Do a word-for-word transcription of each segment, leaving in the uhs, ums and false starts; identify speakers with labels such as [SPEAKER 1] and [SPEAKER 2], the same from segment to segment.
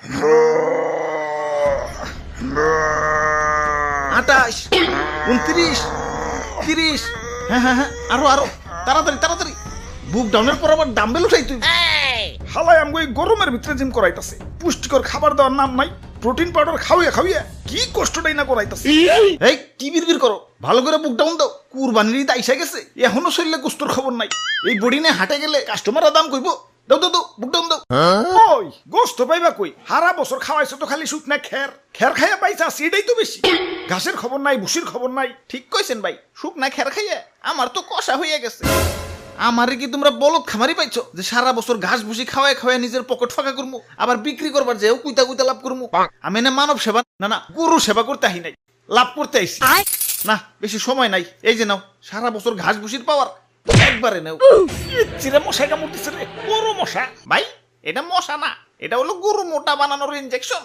[SPEAKER 1] আটাশ, উনত্রিশ, তিরিশ, হ্যাঁ হ্যাঁ হ্যাঁ, আরো আরো তাড়াতাড়ি তাড়াতাড়ি। বুক ডাউনের পর আবার ডাম্বেল উঠাই তুই।
[SPEAKER 2] হালাই আমগো এই গরমের ভিতরে জিম করাইতাছে, পুষ্টিকর খাবার দেওয়ার নাম নাই, প্রোটিন পাউডার খাওয়াইয়া খাওয়াইয়া কি কষ্টটাই না করাইতাছে।
[SPEAKER 1] এই কি বিড়বিড় করো, ভালো করে বুক ডাউন দাও। কুরবানির ঈদ আইসা গেছে, এখনো শরীরে কুস্তর খবর নাই। এই বডি নিয়ে হাটে গেলে কাস্টমাররা দাম কইব। দাও দাও দাও, বুক ডাউন দাও।
[SPEAKER 2] ওই গোস্ত পাইবা কই? হারা বছর খাওয়াইছো তো খালি শুকনা খের, খের খাইয়া পাইছা সেটাই তো বেশি। ঘাসের খবর নাই, ভুসির খবর নাই।
[SPEAKER 1] ঠিক কইছেন ভাই, শুকনা খের খাইয়া আমার তো কষা হইয়া গেছে। আমারে কি তোমরা বলদ খামারি পাইছো যে সারা বছর ঘাস ভুসি খাওয়ায় খাওয়ায় নিজের পকেট ফাঁকা করবো, আবার বিক্রি করবার যেও কুইতা কুইতা লাভ করবো? আমি না মানব সেবা না না গরু সেবা করতে আহি নাই, লাভ করতে আইছি। না বেশি সময় নাই, এই যে নাও সারা বছর ঘাস ভুসির পাওয়ার একবারে নাও।
[SPEAKER 2] চিরে মশাই কামড়তেছে রে, বড় মশা।
[SPEAKER 1] ভাই এটা মশা না, এটা হলো গরু মোটা বানানোর ইনজেকশন।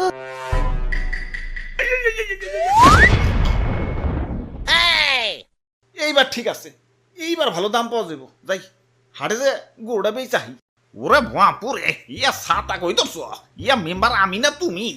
[SPEAKER 1] এইবার ঠিক আছে, এইবার ভালো দাম পাওয়া যাবো। যাই হাটে যে গরুটা বেই চাহি। ওরে ভুয়াপুরে ইয়া সাতা কই দছ, ইয়া মেম্বার আমি না তুমি?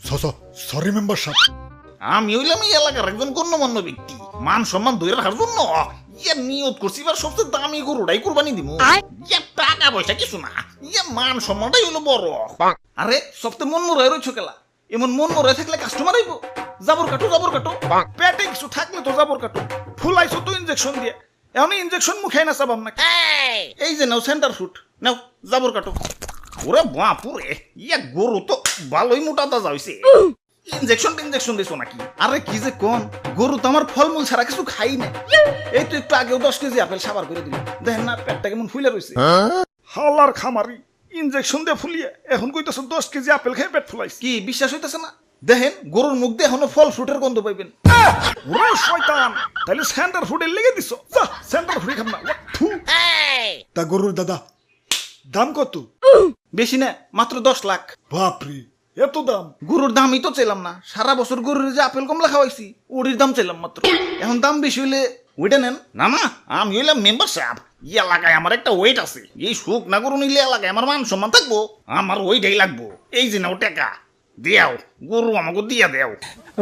[SPEAKER 2] সরি মেম্বার সাহেব।
[SPEAKER 1] আমি হইলাম এই এলাকার একজন গণ্যমান্য ব্যক্তি, মান সম্মান ধরে রাখার জন্য ইয়া নিয়ত করছি এবার সবচেয়ে দামি গরুটাই কুরবানি দিব। ইয়া টাকা পয়সা কিছু না, ইয়া মান সম্মানটাই হলো বড়। আরে সবচেয়ে মন মরে রয়েছো কেলা, এমন মন মরে থাকলে কাস্টমার আইব। জাবর কাটো জাবর কাটো,
[SPEAKER 2] পেটে কিছু থাকলে তো জাবর কাটো। ফুলাইছো তো ইনজেকশন দিয়ে, এখন ইনজেকশন মুখে না চাবাম না।
[SPEAKER 1] এই যে নাও সেন্টার ফুট, নাও জাবর কাটো। ওরে বাপুরে ইয়া গরু তো ভালোই মোটা তাজা হইছে। ইনজেকশন ইনজেকশন দিছো নাকি? আরে কি যে কোন, গরু তো আমার ফলমূল ছাড়া কিছু খাই না। এই তো একটু আগেও দশ কেজি আপেল সাবার করে দিল, দেখেন না পেটটা কেমন ফুলে রয়েছে।
[SPEAKER 2] হালার খামারি ইনজেকশন দিয়ে ফুলিয়ে এখন কইতেছো দশ কেজি আপেল খেয়ে পেট ফুলাইছি।
[SPEAKER 1] কি বিশ্বাস হইতেছে না? দেখেন গরুর মুখ দিয়ে এখনো ফল ফ্রুটের গন্ধ পাইবেন।
[SPEAKER 2] ওরে শয়তান, তাহলে সেন্টার ফুডে লেগে দিছো। যা সেন্টার ফুডে খাম না। থু। তা গরুর দাদা দাম কত?
[SPEAKER 1] বেশি না, মাত্র দশ লাখ।
[SPEAKER 2] বাপরে এত দাম!
[SPEAKER 1] গরুর দামই তো চাইলাম না, সারা বছর গরুর যে আপেল কমলা খাওয়াইছি ওটির দাম চাইলাম মাত্র। এখন দাম বেশি হইলে ওইটা নেন না। না আমি হইলাম মেম্বার সাহেব, এই এলাকায় আমার একটা ওয়েট আছে। এই সুখ না গরু নিলে এলাকায় আমার মান সম্মান থাকবো, আমার ওইটাই লাগবো। এই যে নাও টাকা দেও, গরু আমাকে দিয়া দেও।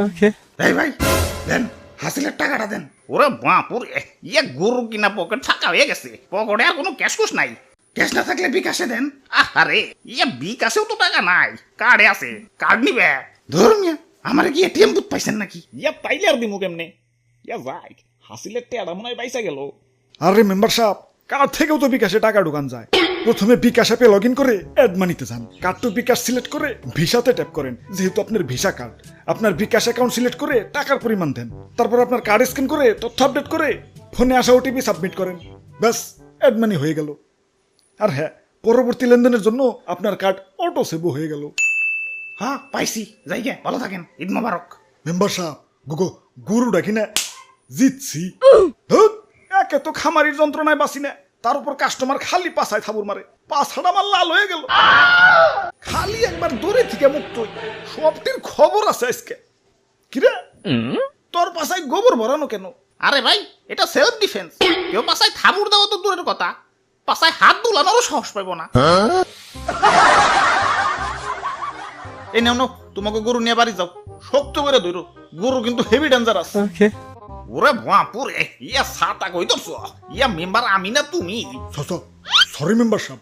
[SPEAKER 1] এই ভাই দেন, হাসিলের টাকাটা দেন। ওরে বাপুর ইয়া গরু কিনা পকেট ফাঁকা হয়ে গেছে, পকেটে আর কোনো ক্যাশ কুশ নাই। ক্যাশ না থাকলে বিকাশে দেন। আরে ইয়া বিকাশেও তো টাকা নাই, কার্ডে আছে, কার্ড নিবে। ধরুন আমার কি এটিএম বুথ পাইছেন নাকি? ইয়া পাইলে আর দিমু কেমনে? ইয়া যাই হাসিলের টেয়াটা মনে হয় পাইসা গেল।
[SPEAKER 2] আরে মেম্বার সাহেব, কার্ড থেকেও তো বিকাশে টাকা ঢুকান যায়। প্রথমে বিকাশ অ্যাপে লগ ইন করে অ্যাড মানিতে যান, কার্ড টু বিকাশ সিলেক্ট করে ভিসাতে ট্যাপ করেন। যেহেতু আপনার ভিসা কার্ড, আপনার বিকাশ অ্যাকাউন্ট সিলেক্ট করে টাকার পরিমাণ দেন। তারপর আপনার কার্ড স্ক্যান করে তথ্য আপডেট করে ফোনে আসা ওটিপি সাবমিট করেন। ব্যাস অ্যাড মানি হয়ে গেল। আর হ্যাঁ, পরবর্তী লেনদেনের জন্য আপনার কার্ড অটো সেভও হয়ে গেল।
[SPEAKER 1] হ্যাঁ পাইছি, যাই গে, ভালো থাকেন, ঈদ মোবারক।
[SPEAKER 2] মেম্বার সাহেব গুগো গুরু ডাকি না জিতছি। একে তো খামারির যন্ত্রণায় বাঁচি না, তার উপর কাস্টমার খালি পাছায় থাবুর মারে, পাছাটা আমার লাল হয়ে গেল। খালি একবার দূরে থেকে মুক্ত হই, সবটির খবর আছে আজকে। কিরে তোর পাছায় গোবর ভরানো কেন?
[SPEAKER 1] আরে ভাই এটা সেলফ ডিফেন্স। কেউ পাছায় থাবুর দেওয়া তো দূরের কথা, পাছায় হাত দুলানোরও সাহস পাইব না। এই নাও নাও, তোমাকে গরু নিয়ে বাড়ি যাও, শক্ত করে ধরো, গরু কিন্তু হেভি ডেঞ্জারাস। ওরে বাপুরে ইয়া সাতা কই দছ, ইয়া মেম্বার আমি না তুমি?
[SPEAKER 2] সরি মেম্বার সাহেব।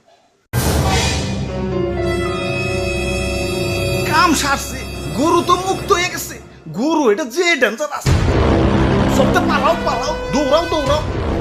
[SPEAKER 1] কাম সারছে, গরু তো মুক্ত হয়ে গেছে। গরু এটা যে ডেঞ্জারাস, সবটা পালাও পালাও, দৌড়াও দৌড়াও।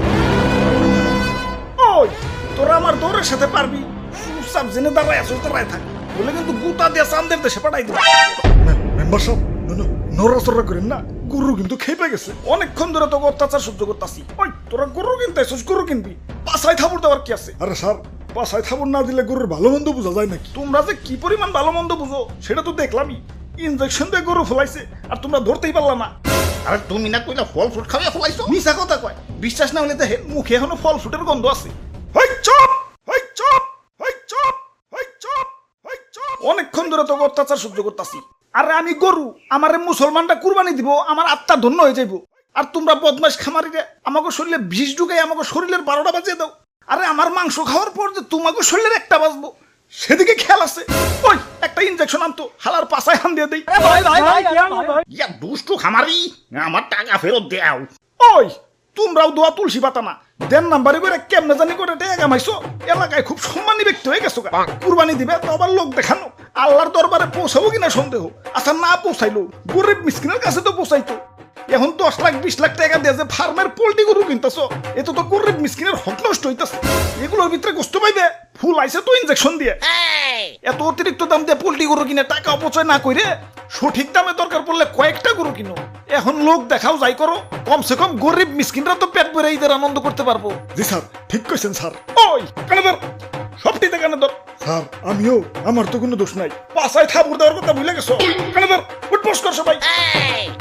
[SPEAKER 2] ওই তোরা আমার দৌড়ের সাথে পারবি? চুপচাপ জেনে দাঁড়ায় আসো, দাঁড়ায় থাক, বলে কিন্তু গুতা দিয়ে চান্দের দেশে পাঠাই দেবো। মেম্বার সাহেব নড়াচড়া করেন না, গরু কিন্তু খেপে গেছে। অনেকক্ষণ ধরে তোকে অত্যাচার সহ্য করতেছি। ওই তোরা গরু কিনতে আসছিস, গরু কিনবি, পাছায় থাবুর দেওয়ার কি আছে? আরে স্যার, পাছায় থাবুর না দিলে গরুর ভালো মন্দ বোঝা যায় নাকি? তোমরা যে কি পরিমাণ ভালো মন্দ বুঝো সেটা তো দেখলামই। ইনজেকশন দিয়ে গরু ফলাইছে আর তোমরা ধরতেই পারলাম না।
[SPEAKER 1] আরে তুমি না কইলা ফল ফ্রুট খাওয়া ফলাইছো? মিছা কথা কয়, বিশ্বাস না হলে দেখেন মুখে এখনো ফল ফ্রুটের গন্ধ আছে। হই চুপ, হই চুপ, হই চুপ, হই চুপ, হই চুপ। অনেকক্ষণ ধরে তোকে অত্যাচার সহ্য করতেছি। আরে আমি গরু, আমারে মুসলমানটা কুরবানি দিব, আমার আত্মা ধন্য হয়ে যাইব। আর তোমরা বদমাশ খামারিরে আমাকে শরীরে বিষ ঢুকাই আমাকে শরীরের বারোটা বাজিয়ে দাও। আরে আমার মাংস খাওয়ার পর যে তোমাকে শরীরের একটা বাজবো,
[SPEAKER 2] সেদিকে খেয়াল আছে? ওই একটা ইনজেকশন আনতো, হালার পাছায় হান দিয়ে দেই।
[SPEAKER 1] ইয়া দুষ্টু খামারি, আমার টাকা ফেরত দেও।
[SPEAKER 2] ওই তোমরাও দোয়া তুলসী পাতা না, দেন নাম্বারে করে কেমনে জানি করে টাকা কামাইছো, এলাকায় খুব সম্মানী ব্যক্তি হয়ে গেছো। কুরবানি দিবে তো আবার লোক দেখানো, আল্লাহর দরবারে পৌঁছাবো কিনা সন্দেহ। আচ্ছা না পৌঁছাইলো, গরিব মিসকিনের কাছে তো পৌঁছাইতো। এখন দশ লাখ বিশ লাখ টাকা দিয়ে যে ফার্মের পোল্ট্রি গরু কিনতেছো, এত তো গরিব মিসকিনের হক নষ্ট হইতেছে। এগুলোর ভিতরে গোস্ত পাইবে, ফুল আইছে তো ইনজেকশন দিয়ে। এত অতিরিক্ত দাম দিয়ে পোল্ট্রি গরু কিনে টাকা অপচয় না করে সঠিক দামে দরকার পড়লে কয়েকটা গরু কিনো। এখন লোক দেখাও যাই করো, কমসে কম গরিব মিসকিনরা তো পেট ভরে ঈদের আনন্দ করতে পারবো।
[SPEAKER 3] জি স্যার, ঠিক কইছেন স্যার।
[SPEAKER 2] ওই কানে ধর, সবটিতে কানে ধর।
[SPEAKER 3] স্যার আমিও, আমার তো কোনো দোষ নাই।
[SPEAKER 2] পাশায় থাপুর দেওয়ার কথা ভুলে গেছো। কানে ধর, উঠবোস কর সবাই।